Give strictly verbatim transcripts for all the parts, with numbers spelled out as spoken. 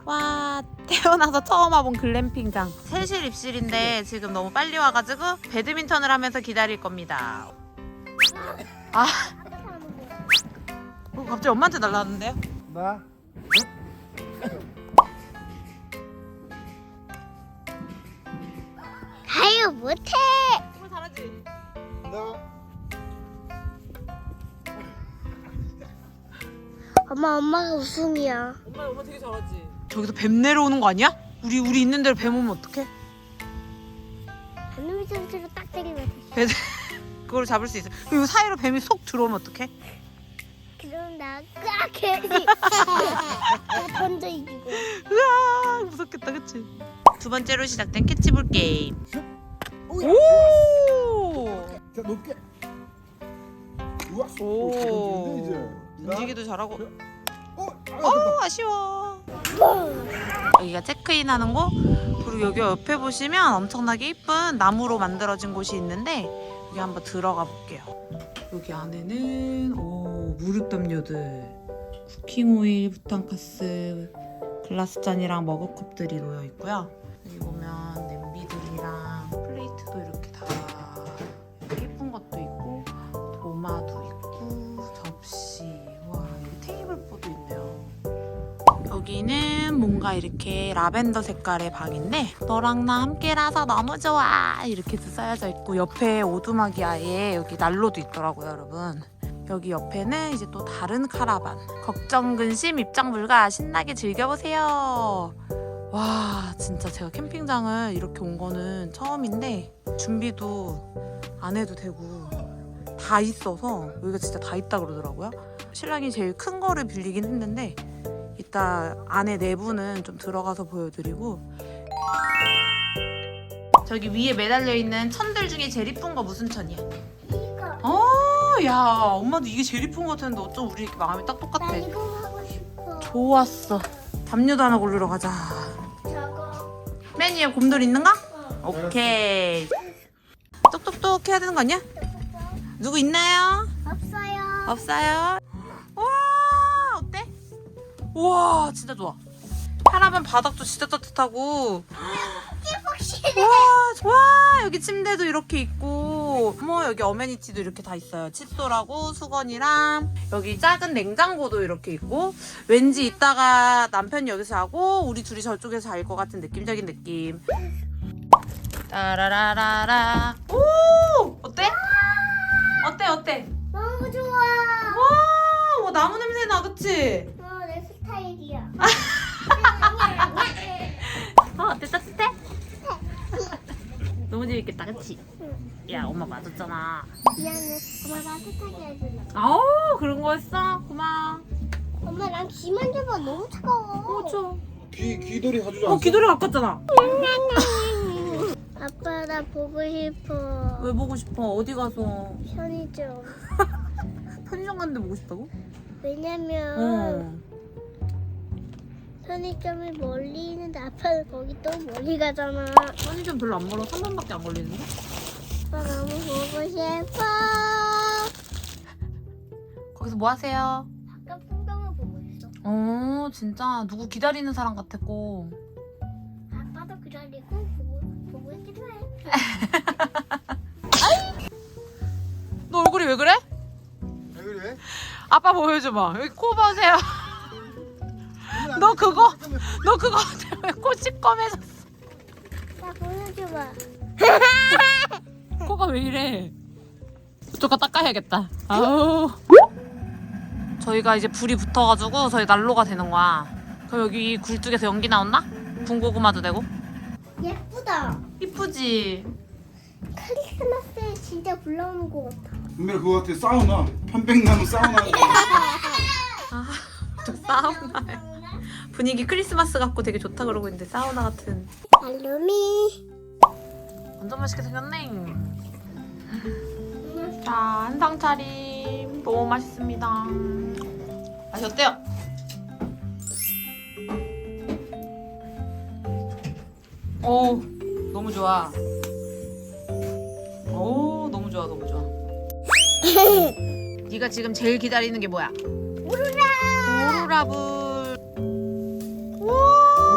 와, 태어나서 처음 와본 글램핑장. 세실 입실인데 지금 너무 빨리 와가지고 배드민턴을 하면서 기다릴 겁니다. 아, 어, 갑자기 엄마한테 날라왔는데요? 나? 아유 못해. 정말 잘하지? 나? 엄마 엄마가 우승이야. 엄마 엄마 되게 잘하지? 저기서 뱀 내려오는 거 아니야? 우리 우리 있는 대로 뱀 오면 어떡해? 배드민턴으로 딱 때리면 돼. 뱀 그걸 잡을 수 있어. 그리고 사이로 뱀이 속 들어오면 어떡해? 그럼 나 깍해지. 나 던져 이기고. 으아, 무섭겠다, 그치? 두 번째로 시작된 캐치볼 게임. 오! 자 높게. 우와. 오. 오. 이제. 움직이도 잘하고. 어. 어, 아쉬워. 여기가 체크인하는 곳. 그리고 여기 옆에 보시면 엄청나게 이쁜 나무로 만들어진 곳이 있는데 여기 한번 들어가 볼게요. 여기 안에는 오, 무릎 담요들, 쿠킹 오일, 부탄가스, 글라스 잔이랑 머그컵들이 놓여 있고요. 여기 보면 냄비들이랑 플레이트도 이렇게 다 이렇게 예쁜 것도 있고 도마도 있고 접시, 와 여기 테이블보도 있네요. 여기는 뭔가 이렇게 라벤더 색깔의 방인데 너랑 나 함께라서 너무 좋아 이렇게도 써여져 있고 옆에 오두막이 아예 여기 난로도 있더라고요, 여러분. 여기 옆에는 이제 또 다른 카라반. 걱정 근심 입장 불가 신나게 즐겨보세요. 와 진짜 제가 캠핑장을 이렇게 온 거는 처음인데 준비도 안 해도 되고 다 있어서 여기가 진짜 다 있다 그러더라고요. 신랑이 제일 큰 거를 빌리긴 했는데 이따 안에 내부는 좀 들어가서 보여드리고. 저기 위에 매달려 있는 천들 중에 제일 이쁜 거 무슨 천이야? 이거. 어, 야 엄마도 이게 제일 이쁜 거 같았는데 어쩜 우리 이렇게 마음이 딱 똑같아. 나 이거 하고 싶어. 좋았어. 담요도 하나 고르러 가자. 저거. 맨 위에 곰돌이 있는가? 어. 오케이. 똑똑똑 해야 되는 거 아니야? 누구 있나요? 없어요. 없어요. 와 어때? 우와 진짜 좋아. 카라반 바닥도 진짜 따뜻하고. 확실해. 와, 와 여기 침대도 이렇게 있고 뭐 여기 어메니티도 이렇게 다 있어요. 칫솔하고 수건이랑 여기 작은 냉장고도 이렇게 있고 왠지 이따가 남편이 여기서 하고 우리 둘이 저쪽에서 잘 것 같은 느낌적인 느낌. 따라라라라. 오 어때? 어때 어때? 너무 좋아. 와, 와 나무 냄새 나 그치? 어, 내 스타일이야. 어 어때 따뜻해? 너무 재밌겠다 그치? 야 엄마 맞았잖아. 미안해. 엄마 나 세탁기 해줄래. 아우 그런 거였어? 고마워. 엄마 난 귀 만져봐. 너무 차가워. 그렇죠. 귀 귀돌이 사주지 어 귀돌이 가깝잖아. 아빠 나 보고 싶어. 왜 보고 싶어? 어디 가서? 편의점. 편의점 갔는데 보고 싶다고? 왜냐면 어. 편의점이 멀리 있는데 아빠는 거기 또 멀리 가잖아. 편의점 별로 안 멀어. 삼 분밖에 안 걸리는데? 아빠 너무 보고 싶어. 거기서 뭐 하세요? 아까 풍경을 보고 있어. 어 진짜 누구 기다리는 사람 같았고. 아빠도 기다리고 보고 보고 있기도 해. 너 얼굴이 왜 그래? 왜 그래? 아빠 보여줘봐. 여기 코 보세요. 너 그거 너 그거 때문에 코 시꺼매졌어. 나 보여줘봐. 코가 왜 이래? 저거 닦아야겠다. 아우. 저희가 이제 불이 붙어가지고 저희 난로가 되는 거야. 그럼 여기 굴뚝에서 연기 나온다? 군고구마도 되고. 예쁘다. 이쁘지? 크리스마스에 진짜 불러오는 것 같아. 분명 그거 같아. 사우나. 편백나무 사우나. 아, 저 사우나. 분위기 크리스마스 같고 되게 좋다 그러고 있는데 사우나 같은. 알루미. 완전 맛있게 생겼네. 자, 한상 차림. 너무 맛있습니다. 맛이 어때요? 오, 너무 좋아. 오, 너무 좋아, 너무 좋아. 네가 지금 제일 기다리는 게 뭐야? 오로라. 오로라불. 우와.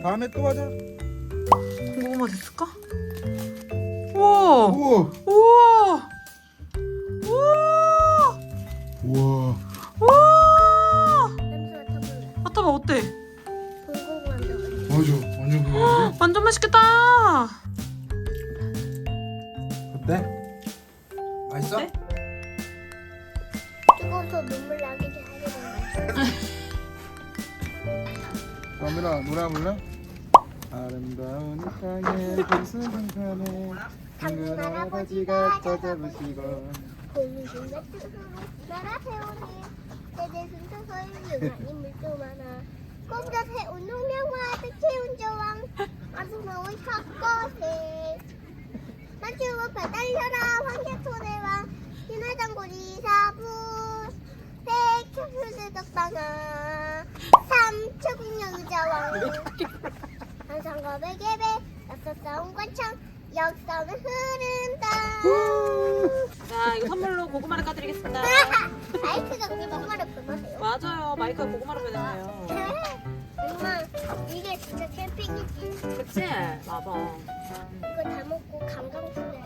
다음에 또 하자. 고구마 됐을까? 우와 우와. 우와 우와 우와. 우와 냄새 맡아볼래? 맡아봐 어때? 불고기 만들어. 맞아. 완전 그거인데. 완전 맛있겠다. 어때? 맛있어? 어때? 뜨거워서 눈물 나게 하려는 거야. 그러면아 노래 한번 불래? 아름다운 이 땅에 푸르른 산에 당근 할아버지가 찾아보시고 공중에 뜨거운 나라 세우니 때대 순서서의 유난히 물도 많아 꼼자 세운 농명과 백채운 저왕 아수마의 삭거세 만주고 배달려라 황제토대왕 신화장고리 사부 백효수대덕방아 삼초국령 의자왕 한상과 베개배 낯선 관창 역사는 흐른다 자 이거 선물로 고구마를 까드리겠습니다. 마이크가 그게 엄마를 보내세요. 맞아요 마이크가 고구마로 변했네요. 엄마 이게 진짜 캠핑이지. 그치? 봐봐. 이거 다 먹고 강강술래.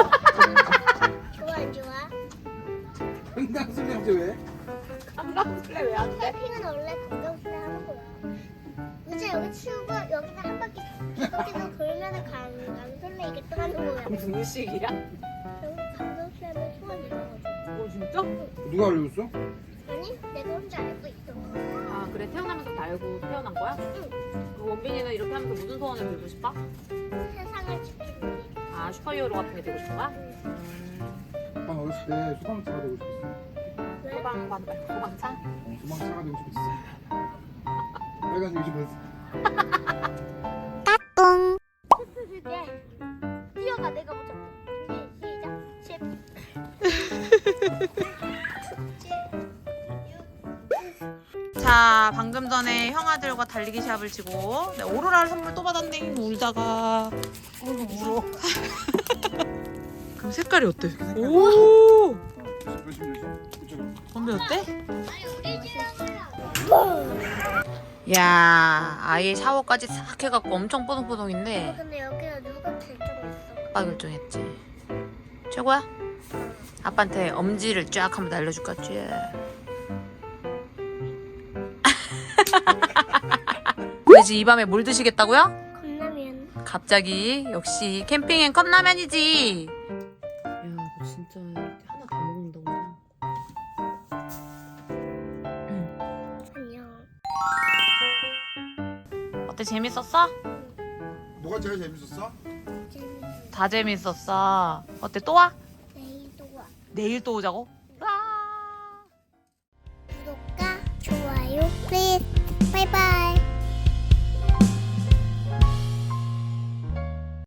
좋아 안 좋아? 횡단술래 하지 왜? 깜깜술래 왜 안 돼? 캠핑은 원래 강강술래 하는 거야. 이제 여기 치우고 여기서 한 바퀴 계속 돌면은 강강술래 이게 또 하는 거야. 무슨 의식이야? 그럼 강강술래는 소원이 나가지고. 어 진짜? 누가 알려줬어? 아니 내가 혼자 알고 있어. 아 그래 태어나면서 다 알고 태어난 거야? 응. 그 원빈이는 이렇게 하면서 무슨 소원을 빌고 싶어? 세상을 지키는 아 슈퍼히어로 같은 게 되고 싶은 거야? 응. 음, 난 어렸을 때 소방차가 되고 싶었어. 왜? 소방관 말고 소방차? 어, 소방차가 되고 싶었어. 빨간색이 싶었어. 슈트 줄게. 뛰어가 내가 먼저. 준비 시작. 십. 자 방금 전에 형아들과 달리기 시합을 치고 네, 오로라를 선물 또 받았네 울다가 어이구 울어. 그럼 색깔이 어때? 오 조심 조심. 그쪽으로. 건배 어때? 아니 우리 집에 가려. 야 아예 샤워까지 싹 해갖고 엄청 뽀송뽀송인데 근데 여기가 누가 결정했어? 아빠 결정했지 최고야? 아빠한테 엄지를 쫙 한번 날려줄까 쫙 왜지 이 밤에 뭘 드시겠다고요? 컵라면. 갑자기 역시 캠핑엔 컵라면이지 야너 진짜 이렇게 하나 다 먹는다고 안녕. 어때 재밌었어? 뭐가 제일 재밌었어? 재밌어. 다 재밌었어 어때 또 와? 내일도 와. 내일 또 오자고?